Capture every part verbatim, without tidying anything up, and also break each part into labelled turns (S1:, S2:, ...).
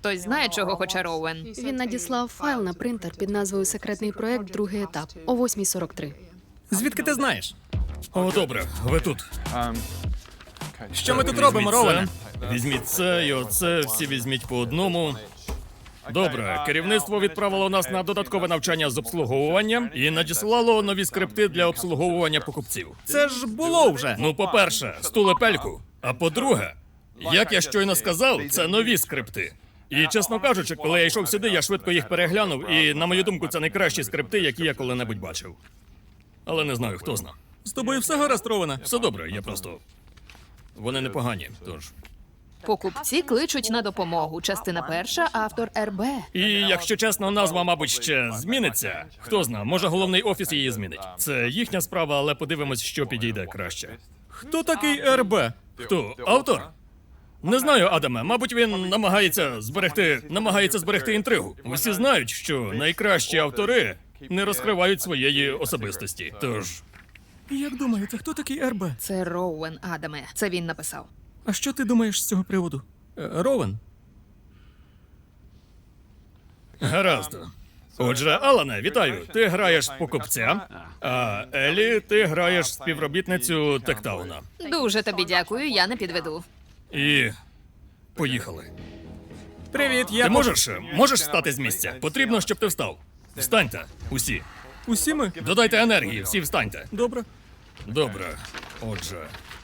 S1: хтось знає, чого хоче Роуен?
S2: Він надіслав файл на принтер під назвою «Секретний проект. Другий етап» о восьмій сорок три.
S3: Звідки ти знаєш?
S4: О, добре, ви тут.
S3: Що ми тут робимо, Роуене?
S4: Візьміть це і оце, всі візьміть по одному. Добре, керівництво відправило нас на додаткове навчання з обслуговування і надіслало нові скрипти для обслуговування покупців.
S3: Це ж було вже.
S4: Ну, по-перше, стулепельку. А по-друге, як я щойно сказав, це нові скрипти. І, чесно кажучи, коли я йшов сюди, я швидко їх переглянув, і, на мою думку, це найкращі скрипти, які я коли-небудь бачив. Але не знаю, хто зна.
S3: З тобою все гаразд, Роуене?
S4: Все добре, я просто... Вони непогані, тож...
S1: Покупці кличуть на допомогу. Частина перша, автор РБ.
S4: І, якщо чесно, назва, мабуть, ще зміниться. Хто зна, може головний офіс її змінить. Це їхня справа, але подивимось, що підійде краще.
S3: Хто такий РБ?
S4: Хто? Автор? Не знаю, Адаме. Мабуть, він намагається зберегти, намагається зберегти інтригу. Усі знають, що найкращі автори не розкривають своєї особистості. Тож,
S3: Як думаєте, хто такий РБ?
S1: Це Роуен, Адаме. Це він написав.
S3: А що ти думаєш з цього приводу? Е, Роуен?
S4: гаразд. Отже, Алане, вітаю. Ти граєш покупця, а Елі, ти граєш співробітницю Тектауна.
S1: Дуже тобі дякую, я не підведу.
S4: І поїхали.
S3: Привіт, я...
S4: Ти можеш, можеш встати з місця? Потрібно, щоб ти встав. Встаньте, усі.
S3: Усі ми?
S4: Додайте енергії, всі встаньте.
S3: Добре.
S4: Добре. Отже,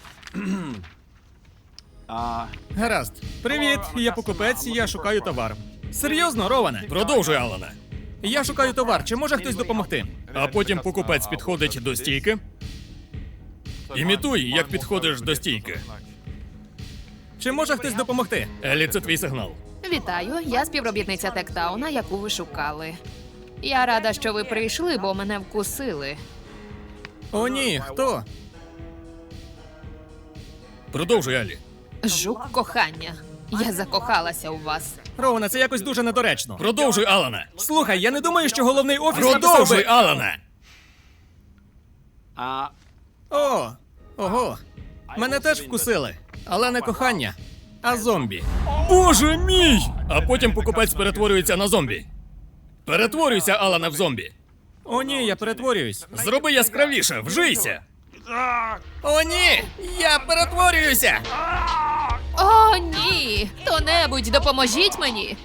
S3: Гаразд. Привіт, я покупець, і я шукаю товар. Серйозно, Роуене?
S4: продовжуй, Алане.
S3: Я шукаю товар, чи може хтось допомогти?
S4: А потім покупець підходить до стійки. Імітуй, як підходиш до стійки.
S3: Чи може хтось допомогти?
S4: Елі, це твій сигнал.
S1: Вітаю, я співробітниця Тектауна, яку ви шукали. Я рада, що ви прийшли, бо мене вкусили.
S3: О, ні, хто?
S4: Продовжуй, Елі.
S1: Жук кохання. Я закохалася у вас.
S3: Роуене, це якось дуже недоречно.
S4: Продовжуй, Алане.
S3: Слухай, я не думаю, що головний офіс написав
S4: Продовжуй,
S3: би...
S4: Алане.
S3: О, ого. Мене теж вкусили. Але не кохання, а зомбі.
S4: Боже мій! А потім покупець перетворюється на зомбі. Перетворюйся, Алане, в зомбі.
S3: О, ні, я перетворююсь.
S4: Зроби яскравіше, вжийся.
S3: О, ні! Я перетворююся!
S1: О, ні! Хто-небудь, допоможіть мені!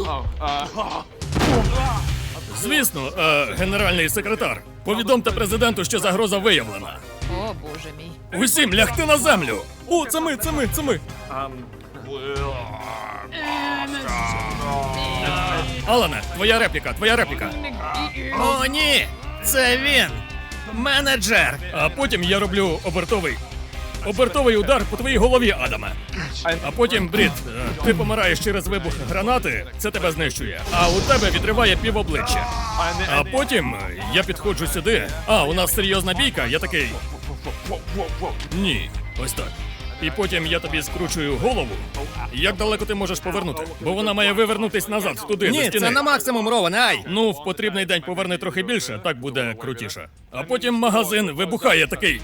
S4: Звісно, е, генеральний секретар. Повідомте президенту, що загроза виявлена.
S1: О, боже мій.
S4: Усім лягти на землю.
S3: О, це ми, це ми, це ми.
S4: Алане, твоя репліка, твоя репліка.
S3: О, ні! Це він! Менеджер!
S4: А потім я роблю обертовий. Обертовий удар по твоїй голові, Адаме. А потім, Брід, е, ти помираєш через вибух гранати, це тебе знищує. А у тебе відриває півобличчя. А потім е, я підходжу сюди. А, у нас серйозна бійка, я такий. Ні, ось так. І потім я тобі скручую голову. Як далеко ти можеш повернути? Бо вона має вивернутись назад, туди, до
S3: Ні,
S4: стіни.
S3: це на максимум, Роуене, ай!
S4: Ну, в потрібний день поверни трохи більше, так буде крутіше. А потім магазин вибухає такий.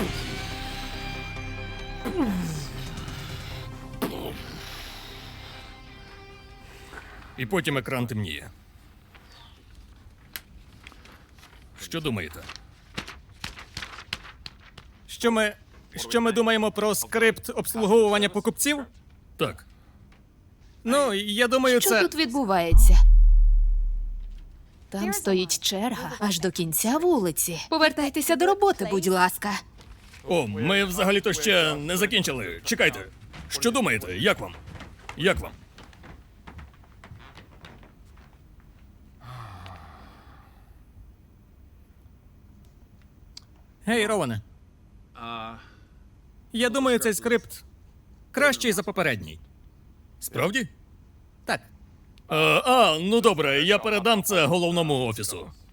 S4: І потім екран темніє. Що думаєте?
S3: Що ми... Що ми думаємо про скрипт обслуговування покупців?
S4: Так.
S3: Ну, я думаю,
S1: Що
S3: це...
S1: тут відбувається? Там стоїть черга аж до кінця вулиці. Повертайтеся до роботи, будь ласка.
S4: О, ми взагалі-то ще не закінчили. Чекайте. Що думаєте? Як вам? Як вам?
S3: Гей, Роуене. Я думаю, цей скрипт кращий за попередній.
S4: Справді?
S3: Так.
S4: Е, а, ну добре, я передам це головному офісу.